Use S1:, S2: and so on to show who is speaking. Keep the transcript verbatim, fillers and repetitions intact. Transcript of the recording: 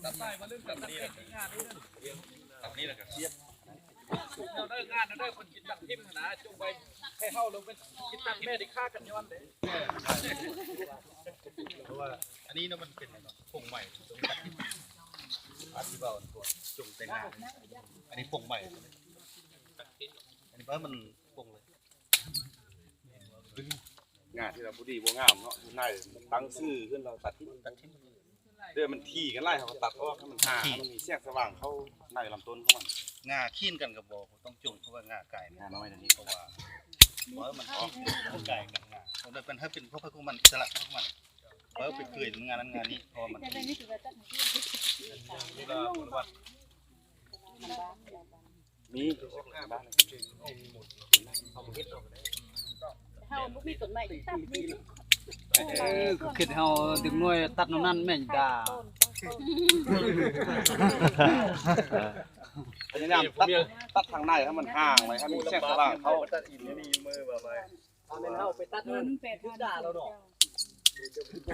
S1: ตัดใต้มาเรื่องตัดนี่งานนี่ตัดนี่แหละครับเชียบเราได้งานเราได้คนกินตัดทิมนะจงไปให้เข้าลงเป็นกินตัดแม่ได้ฆ่ากันย้อนเลยเพราะว่าอันนี้นะมันเป็นผงใหม่ตรงตัดทิมอาชีพเราตัวจงแต่งงานอันนี้ผงใหม่อันนี้เพราะมันผงเลย
S2: งานที่เราบุดีบัวงามเนาะนายตั้งชื่อขึ้นเราตัดทิ้งตัดทิ้งเดี๋ยวมันทีกันไล่เขาตัดออกให้มันหามันมีเสียงสว่างเข้าในลำต้นเขามัน
S1: งาขี้นกันกับบ่ต้องจุ่มเพราะว่างาไก่งาน้อยนี่เพราะว่าเพราะมันออกไก่กับงาเพราะเป็นถ้าเป็นพวกพวกมันสลัดพวกมันเพราะไปเกิดงานนั้นงานนี้เพราะมัน
S2: มีบ้าน
S3: เฮาบ่มีต้นไม้ตัดนี่
S4: เออคิดเฮาดึงหน่วยตัดน้ำนั่นแม่นด่า
S2: พยายามตัดตัดทางในให้มันห่างไว้ให้มีเสียงสว่างเข้า
S1: ตัดอินนี่มือแบบไป
S4: เอาเป็นเฮาไปตัดมันด่าเราดอก